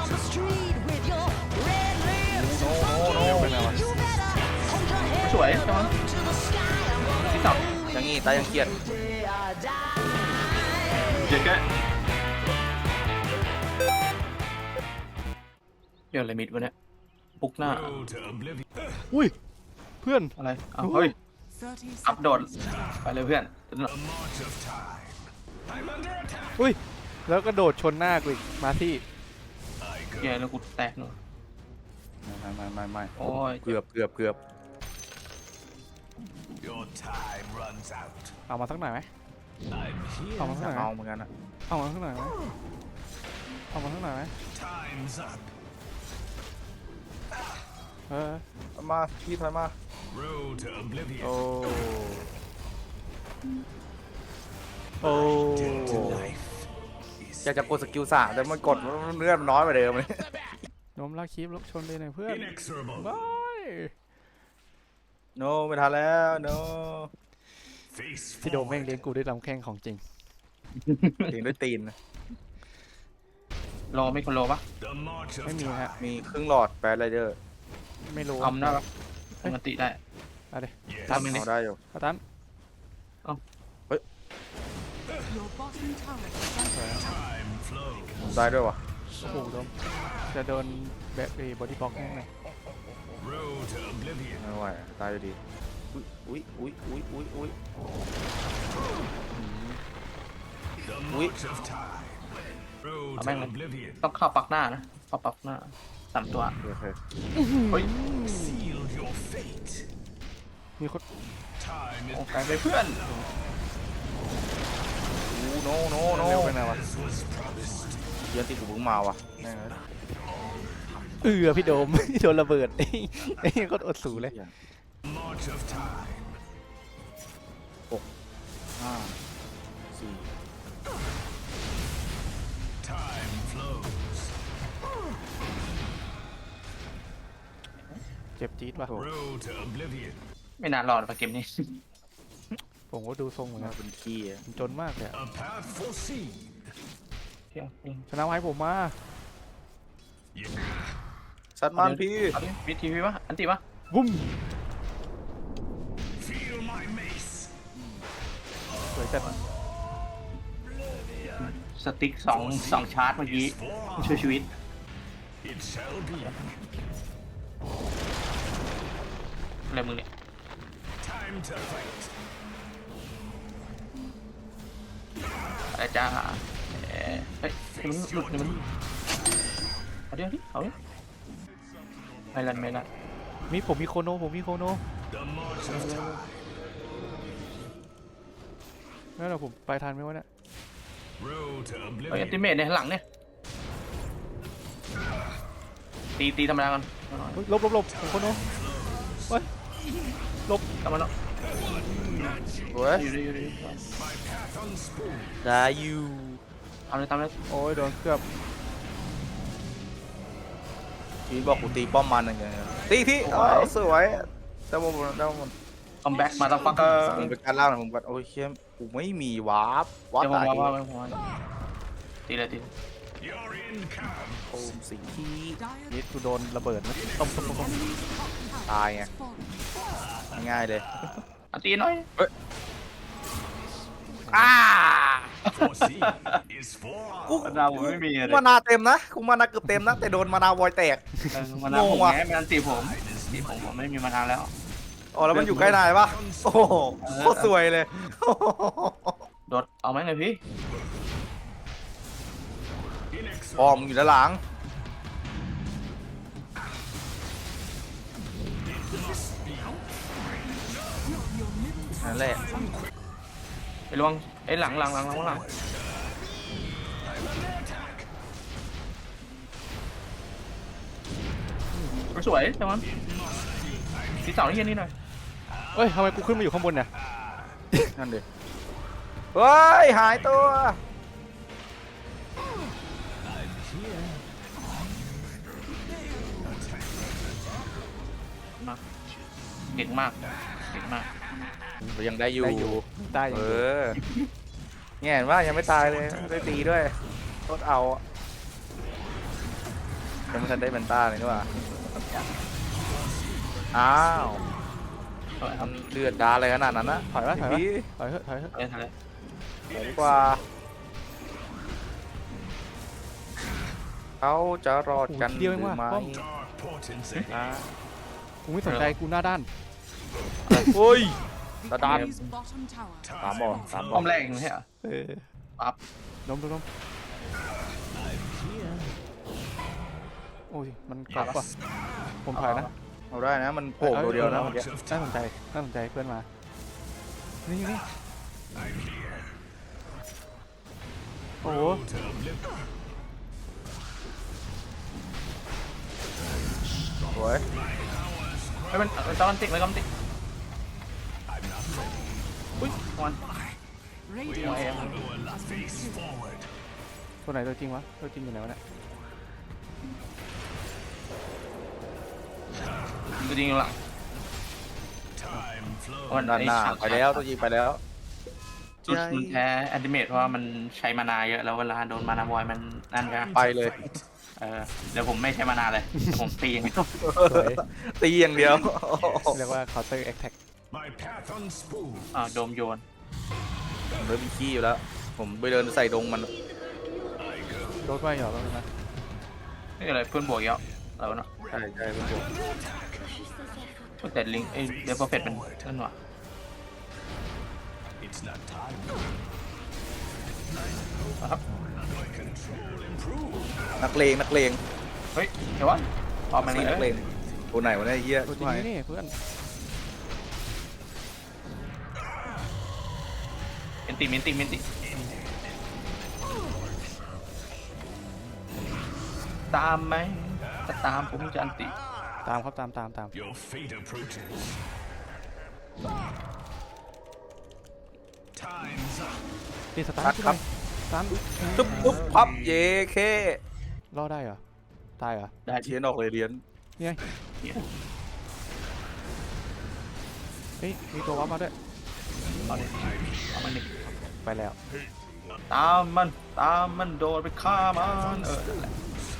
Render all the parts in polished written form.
โน้โน้เป็นไงวะสวยใช่ไหมที่สองอย่างงี้ตายยังเกลียดเจ๊กะเดี๋ยวอะไรมิดวะเนี่ยปุกหน้าอุ้ยเพื่อนอะไรอ้าวเฮ้ยอัพโดดไปเลยเพื่อนอุ้ยแล้วก็โดดชนหน้ากูอีกมาที่แย่แล้วกูแตกเนอะไม่โอ้ยเกือบเอามาสักหน่อยไหมเอามาสักหน่อยไหมเอาเหมือนกันอะเอามาสักหน่อยไหมเอามาสักหน่อยไหมเออมาพี่ถอยมาโอ้โอ้อยากจะกดสกิล3แต่มันกดเลือดมันน้อยกว่าเดิมเลยนมลากคีบลบชนเลยหน่อยเพื่อนบายโนไม่ทันแล้วโนพี่โดมแม่งเลี้ยงกูด้วยลำแข้งของจริงถึงด้วยตีนรอไม่คนรอปะไม่มีฮะมีครึ่งหลอดแปดไรเดอร์ไม่รู้ทำได้ปะปกติได้เอาดิทำเองดิเอาได้อยู่เอาตันได้ด้วยวะโอ้โหโดมจะโดนแบบบอดี้บล็อกแน่เลยไม่ไหวตายอยู่ดีอุ้ยอุ้ยเอาแม่งเลยต้องเข้าปักหน้านะเข้าปักหน้า3 ตัวโอเคเฮ้ยมีคนโอ้ไกลไปเพื่อนโนเร็วไปหน่อยวะเยอะที่กูเพิ่งมาวะพี่โดม โดนระเบิด ไอ้ก็อดสูเลยห้าสี่เจ็บจี๊ดว่ะไม่นานรอดปะเกมนี้ผมก็ดูทรงเหมือนกัมาน เป็นขี้อะผมจนมากเลยอะเที่ยวจริงชนะไว้ผมมาสัตว์มันพี่เอาดิวิธีพี่ปะอันติปะวุ้มสวยจัดสติ๊กสองชาร์จเมื่อกี้ช่วยชีวิตอะไรมึงเนี่ยอะไรจ้าเฮ้ยมันหลุดเนี่ยมันเอาเดี๋ยวดิเอาดิไม่ลันไม่ลันผมมีโคโนนั่นแหละผมไปทันไหมวะเนี่ยเฮ้ยอันติเมทเนี่ยหลังเนี่ยตีธรรมดากันลบผมโคโนเฮ้ยกลับมาเนาะโอ้ยอยู่ดิได้อยู่ทำเลยโอ้ยโดนเคลือบพี่บอกกูตีป้อมมันอะไรเงี้ยตีพี่สวยได้หมดคัมแบ็กมาตั้งฟักเกอร์มึงเป็นการล่างนะมึงกันโอ้ยเข้มกูไม่มีวาร์ปเดี๋ยวตายว่าตีเลยโอมสีที่นี่กูโดนระเบิดนะต้มตายไงง่ายเลยอันตีหน่อยกูมะนาวผมไม่มีเลยมานาเต็มนะกูมานาเกือบเต็มนะแต่โดนมานาวอยแตกมะนาวผมงงว่ะไงมันตีผมไม่มีมะนาวแล้วอ๋อแล้วมันอยู่ใกล้นายปะโอ้โหโคตรสวยเลยโดดเอาไหมเลยพี่ปอมอยู่ด้านหลังนั่นแหละไอ้ลวงไอ้หลังสวยจังมันที่สองนี่หน่อยเฮ้ยทำไมกูขึ้นมาอยู่ข้างบนเนี่ยนั่นดิเฮ้ยหายตัวเก่งมากยังได้อยู่ได้อยู่เงี้ยเห็นว่ายังไม่ตายเลยได้ตีด้วยโคตรเอายังไม่ทันได้แมนต้าเลยนี่หว่าอ้าวถอยคมัรับนเลือดดาอะไรขนาดนั้นนะถอยไว้ถอยไว้พี่ถอยเถอะถอยเถอะถอยเลยถอยดีกว่าเขาจะรอดกันหรือไม่นะกูไม่สนใจกูหน้าด้านโอ้ยตาดัน Enemy's bottom tower ตามบอลตามบป้ออลมแรกเองไม่ใช่เหรอเออปั๊บล้มโอ้ยมันกลับว่ะผมถอยนะเอาได้นะมันโผล่ตัวเดียวนะเมื่อกี้น่าสนใจน่าสนใจเพื่อนมานี่นี่โอ้โหสวยไม่เป็นจอมันติดเลยก็มันติดอุ้ยมัน Radiant's Oh, yeah. turret has been destroyed. ตัวไหนตัวจริงวะตัวจริงอยู่ไหนวะเนี่ยจริงๆหลังด้านหน้าไปแล้วตัวยิงไปแล้วจุดมันแพ้แอนติเมตเพราะว่ามันใช้มานาเยอะแล้วเวลาโดนมานาบอยมันนั่นกันไปเลยเดี๋ยวผมไม่ใช้มานาเลยเดี๋ยวผมตีอย่างเดียวสวยตีอย่างเดียวเรียกว่า counter attack โดมโยนผมเริ่มมีขี้อยู่แล้ว ผมไปเดินใส่ดงมันโดนไปหรอแล้วนะนี่อะไรเพื่อนบวกเยอะแล้วเนาะใช่ใช่เป็นผมแต่ลิงเดฟเฟอร์เฟตเป็นนั่นหว่ะนักเลงนักเลงเฮ้ยเดี๋ยววะออกมานี่นักเลเลย งตัวไหนวะเนี่ยไอ้เฮียตัวจริงนี่เพื่อนเมนติตามไหมถ้าตามผมจะอันติตามครับตาม Your fate approaches. Time's up. ตีสตาร์ทครับสตาร์ทตุ๊บตุ๊บพับเยเครอดได้เหรอตายเหรอได้เทียนออกเลยเรียนเนี่ยเฮ้ยมีตัววับมาด้วยเอามันดิไปแล้วตามมันโดนไปฆ่ามันนั่นแหละ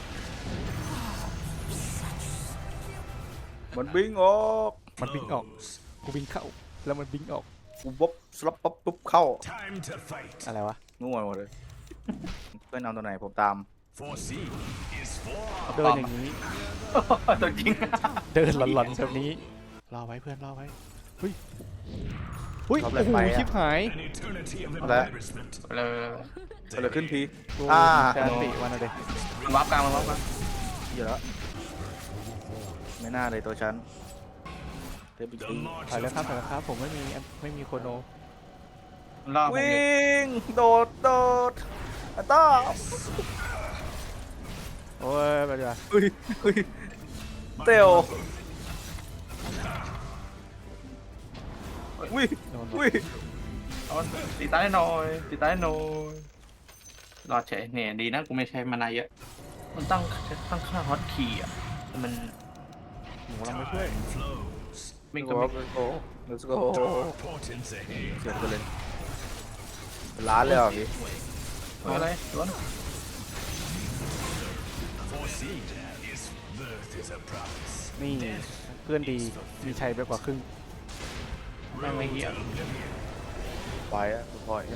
มันบิงออกมันบิงออกกูบิงเข้าแล้วมันบิงออกกูบ๊บสลับปั๊บปุ๊บเข้า Time to fight. อะไรวะนู่นหมดเลยเพื่อนเอาตัวไหนผมตาม Foreseen is for เดินอย่างนี้ตัวจริงเดินหลอนๆแบบนี้รอไว้เพื่อนรอไว้เฮ้ยโอ้โหชิบหาย an eternity of Hola. embarrassment. เลยเกิดอะไรขึ้นพีกูอ่าจะติวันอะไรมันวับกลางมันวับกลางเยอะแล้วไม่น่าเลยตัวฉันเทปอีก The ที march ถอย of แล้วครับผมไม่มีโคโนมันล่อผมอยู่วิ่งโดดอัตตาโอ้ยไปดีกว่าอุ้ยอุ้ยเตลอุ้ยโดนอุ้ยเอาตีตายหน่อยรอดเฉยเนี่ยดีนะกูไม่ใช้มานาเยอะมันตั้งค่าฮอตคีย์อ่ะมันหมูเราไม่ช่วย flows. ไม่ let's ก็ go ไม่ let's go let's go Dark portents ahead. เสียไปเลยเป็นล้านเลยเหรอพี่อะไรล้วน Foreseen is birth is a promise. นี่เพื่อนดีมีชัยไปกว่าครึ่งแม่งไม่เหี้ยไปอ่ะปล่อยอะ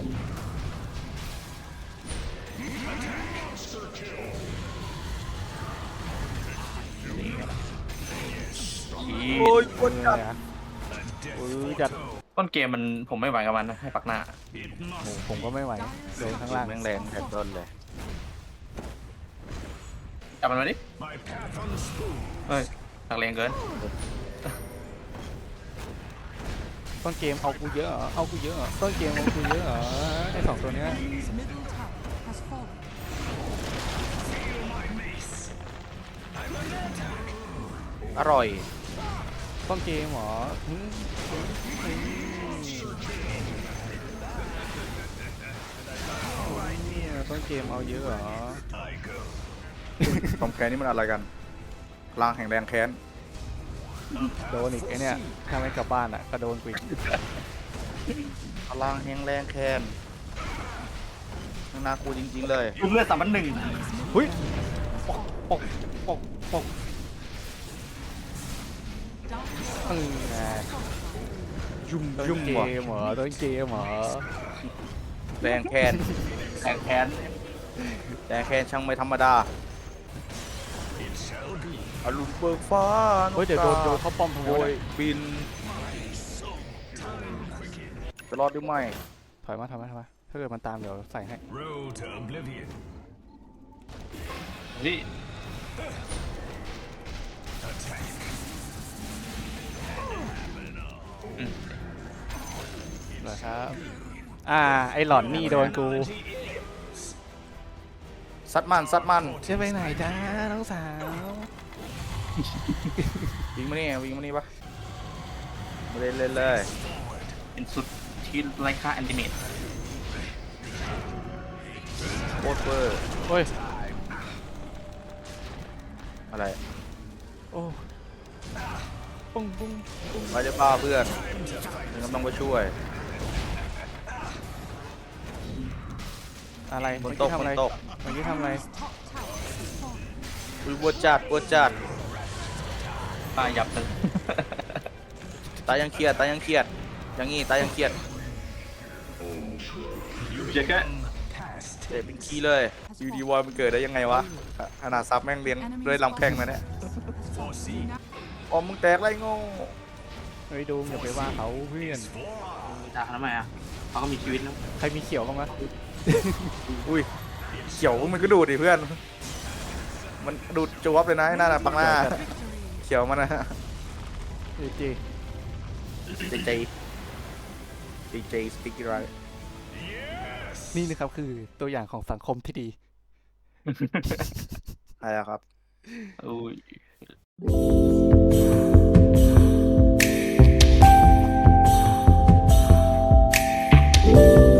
ขี้โอ้ยคนเอจัดอจัดต้นเกมมันผมไม่ไหวกับมันนะให้ปักหน้า It โอ้ must ผมก็ไม่ไหวเดินข้างล่างแม่งแรงแทบต้นเลยจับมันมาดิ my path unspooled. เฮ้ยตักเลงเกินต้นเกมเอากูเยอะเหรอเอากูเยอะเหรอต้นเกมเอากูเยอะเหรอไอ้สองตัวเนี้ย Enemy's middle tower has fallen. อร่อยต้นเกมเหรอต้นเกมเอาเยอะเหรอ I go. ความแค้นนี่มันอะไรกันพลังแห่งแรงแค้นโดนอีกไอ้เนี่ยถ้าไม่กลับบ้านอ่ะก็โดนกูอีกพลังแห่งแรงแค้นน่ากูจริงๆเลยรูปเลือด3,100 เฮ้ยปกปก Darkness ยุ่มต้นยุ่มเกว่ะมเหรอต้นเกมเหรอแรงแค้นแข่งแค้นแรงแค้นช่างไม่ธรรมดา It shall be. อรุณเบิกฟ้าเฮ้ยเดี๋ยวโดนเข้าป้อมทำไมโดวะยเนี่ยบิน จะรอดหรือไม่ถอยมาถ้าเกิดมันตามเดี๋ยวใส่ให้ Roll to oblivion. นี่ Attack. เหรอครับไอหลอนนี่โดนกูซัดมันซัดมันจะไปไหนจ้าน้องสาววิ่งมานี่วิ่งมานี่ปะมาเล่นเล่นเลยเป็นสุดที่ไร้ค่าแอนติเมตโคตรเวอร์โอ้ยอะไรโอ้ปุ้งปุ้งไปจะป้าเพื่อนมึงก็ต้องไปช่วยอะไรบนเมื่อโต๊ะกี้ทำบอะไรนโต๊ะเมื่อกี้ทำอะไร top tower has fallen. อุ้ยปวดจัดปวดจัดป้ายับเลยตายังเครียดตายังเครียดอย่างงี้ตายังเครียดเจ๊กะ Past. เตะเป็นขี้เลยอยู่ดีวอยมันเกิดได้ยังไงวะขนาดซับแม่งเลี้ยงด้วยลำแข้งนะเนี่ย Foreseen. อ๋อมึงแตกไรโง่เฮ้ยดูอย่าไปว่าเขาเพื่อนด่าเขาทำไมอ่ะเขาก็มีชีวิตแล้วใครมีเขียวบ้างวะอุ้ยเขียวมันก็ดูดดิเพื่อน มันดูดจวบเลยนะไอ้นั่นน่ะปังหน้า เขียวมันนะจีเจเจสติ๊กไรนี่นะครับคือตัวอย่างของสังคมที่ดีใช่ครับอุ้ย